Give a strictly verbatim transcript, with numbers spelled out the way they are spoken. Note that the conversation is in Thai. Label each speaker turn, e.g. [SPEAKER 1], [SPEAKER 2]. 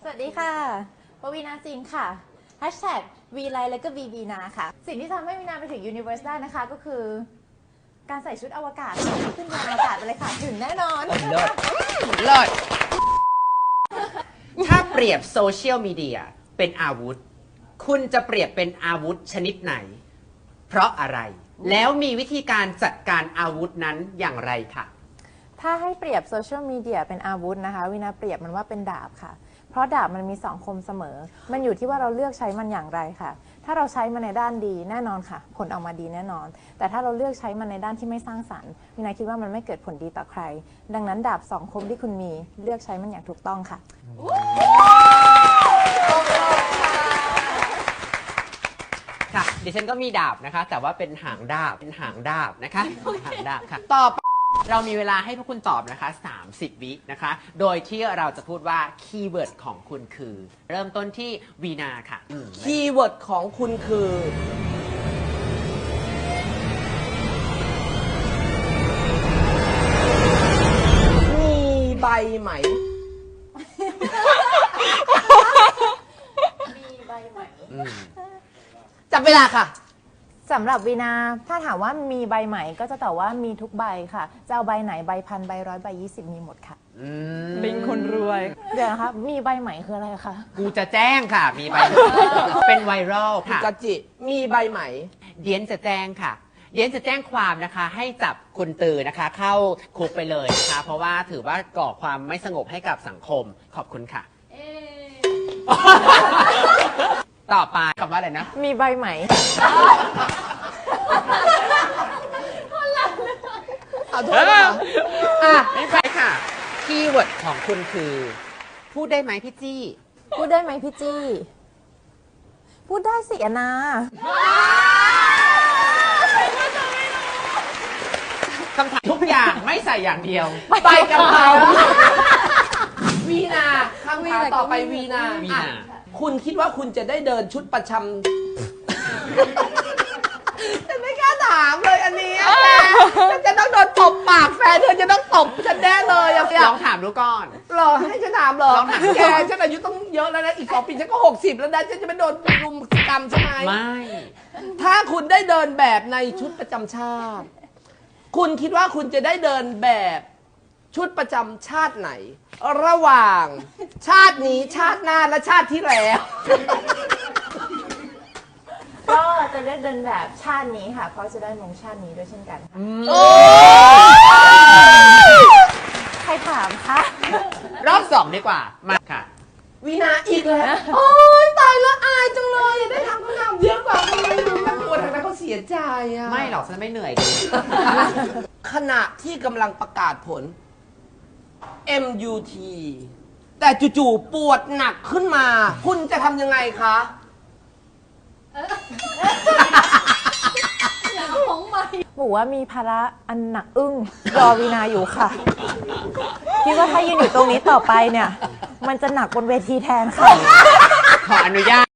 [SPEAKER 1] สวัสดีค่ะปวีนาจินค่ะ Hashtag วีไลแล้วก็ วี วี นาค่ะ สิ่งที่ทำให้วีนาไปถึง Universe ได้นะคะก็คือ การใส่ชุดอวกาศขึ้นยานอวกาศไปเลยค่ะ ถึงแน่นอน
[SPEAKER 2] เลิศเลิศถ้าเปรียบโซเชียลมีเดียเป็นอาวุธ คุณจะเปรียบเป็นอาวุธชนิดไหน เพราะอะไร แล้วมีวิธีการจัดการอาวุธนั้นอย่างไรค่ะ
[SPEAKER 1] ถ้าให้เปรียบโซเชียลมีเดียเป็นอาวุธนะคะวินาเปรียบมันว่าเป็นดาบค่ะ เพราะดาบมันมีสองคมเสมอ มันอยู่ที่ว่าเราเลือกใช้มันอย่างไรค่ะ ถ้าเราใช้มันในด้านดีแน่นอนค่ะ ผลออกมาดีแน่นอน แต่ถ้าเราเลือกใช้มันในด้านที่ไม่สร้างสรรค์วินาคิดว่ามันไม่เกิดผลดีต่อใคร ดังนั้นดาบสองคมที่คุณมีเลือกใช้มันอย่างถูกต้องค่ะ
[SPEAKER 2] ค่ะดิฉันก็มีดาบนะคะ แต่ว่าเป็นหางดาบเป็นหางดาบนะคะหางดาบค่ะต่อไปเรามีเวลาให้พวกคุณตอบนะคะสามสิบวินะคะโดยที่เราจะพูดว่าคีย์เวิร์ดของคุณคือ เริ่มต้นที่วีนาค่ะ
[SPEAKER 3] คีย์เวิร์ดของคุณคือ มีใบไหม
[SPEAKER 1] มีใบไหม
[SPEAKER 2] อืม
[SPEAKER 3] จับเวลาค่ะ
[SPEAKER 1] สำหรับวีนาถ้าถามว่ามีใบไหมก็จะตอบว่ามีทุกใบค่ะจะเอาใบไหนใบพันใบร้อยใบยี่สิบมีหมดค่ะ
[SPEAKER 2] อืม
[SPEAKER 3] เป็นคนรวย
[SPEAKER 1] เดี๋ยวนะคะมีใบไหมคืออะไรคะ
[SPEAKER 2] กูจะแจ้งค่ะ มีใบ เป็นไวรัลค่ะ
[SPEAKER 3] กาจิ มีใบไหม
[SPEAKER 2] เดียนจะแจ้งค่ะ เดียนจะแจ้งความนะคะ ให้จับคุณตือนะคะ เข้าคุกไปเลยนะคะ เพราะว่าถือว่าก่อความไม่สงบให้กับสังคม ขอบคุณค่ะ ต่อไปคำว่าอะไรนะ
[SPEAKER 1] มีใบไหม
[SPEAKER 3] ขอโทษนะคะอ่ะ
[SPEAKER 2] ไม่ไปค่ะ คีย์เวิร์ดของคุณคือ พูดได้ไหมพี่จี้
[SPEAKER 1] พูดได้ไหมพี่จี้ พูดได้สิอนา
[SPEAKER 2] คำถามทุกอย่างไม่ใส่อย่างเดียว
[SPEAKER 3] ใบกะเพราวีนาคำถามต่อไปวีนา
[SPEAKER 2] วี
[SPEAKER 3] อ่ะ
[SPEAKER 2] นา
[SPEAKER 3] คุณคิดว่าคุณจะได้เดินชุดประจำฉันไม่กล้าถามเลยอันนี้อะแกฉันจะต้องโดนตบปากแฟนเธอจะต้องตบฉันแน่เลยอะ
[SPEAKER 2] ลองถามดูก่อน
[SPEAKER 3] หรอให้ฉันถามเหรอ
[SPEAKER 2] ลองถามดู
[SPEAKER 3] แก
[SPEAKER 2] ก่อน
[SPEAKER 3] ฉันอายุต้องเยอะแล้วนะอีกสองปีฉันก็หกสิบแล้วนะฉันจะไม่โดนรุมกรรมใช่ไหม
[SPEAKER 2] ไม่
[SPEAKER 3] ถ้าคุณได้เดินแบบในชุดประจำชาติ คุณคิดว่าคุณจะได้เดินแบบชุดประจำชาติไหน ระหว่างชาตินี้ชาติหน้าและชาติที่แล้ว
[SPEAKER 1] ก็จะได้เดินแบบชาตินี้ค่ะ เพราะจะได้มงชาตินี้ด้วยเช่นกันค่ะ
[SPEAKER 3] โอ้
[SPEAKER 1] ใครถามคะ
[SPEAKER 2] รอบสองดีกว่า มาค่ะ
[SPEAKER 3] วีนาอีกแล้วโอ้ยตายแล้วอายจังเลยได้ทำคำถามเยอะกว่าคนอื่นน่ากลัวทางนั้นเขาเสียใจอะ
[SPEAKER 2] ไม่หรอกฉันไม่เหนื่อย
[SPEAKER 3] ขณะที่กำลังประกาศผล เอ็ม ยู ที แต่จู่ๆปวดหนักขึ้นมา คุณจะทำยังไงคะ
[SPEAKER 1] บอกว่ามีภาระอันหนักอึ้งรอวีนาอยู่ค่ะ คิดว่าถ้ายืนอยู่ตรงนี้ต่อไปเนี่ย มันจะหนักบนเวทีแทนค่ะ
[SPEAKER 2] ขออนุญาต